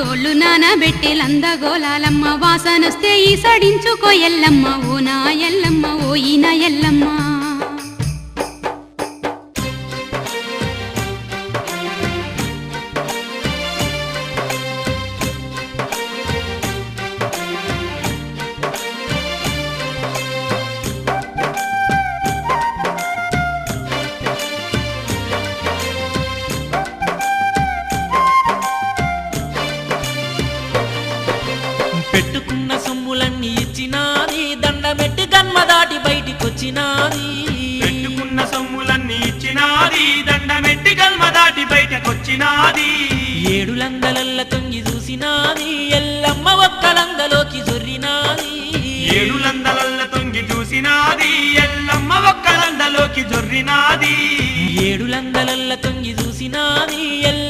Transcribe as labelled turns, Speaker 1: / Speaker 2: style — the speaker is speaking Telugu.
Speaker 1: తోళ్ళు నానబెట్టి లందగోలాలమ్మ వాసనొస్తే ఈ సడించుకో ఎల్లమ్మ ఓ నా ఎల్లమ్మ ఓ ఈన ఎల్లమ్మ
Speaker 2: పెట్టుకున్న సొమ్ములన్నీ ఇచ్చినాది దండమెట్టి గన్మ దాటి బయటికొచ్చినాది
Speaker 3: పెట్టుకున్న సొమ్ములన్నీ ఇచ్చినాది దండమెట్టి గల్మ దాటి బయటకొచ్చినాది
Speaker 2: ఏడులందలల్ల తొంగి చూసినాది ఎల్లమ్మ ఒక్కలందలోకి జొర్రినాది
Speaker 3: ఏడులందలల్ల తొంగి చూసినాది ఎల్లమ్మ ఒక్కలందలోకి జొర్రినాది
Speaker 2: ఏడులందలల్ల తొంగి చూసినాది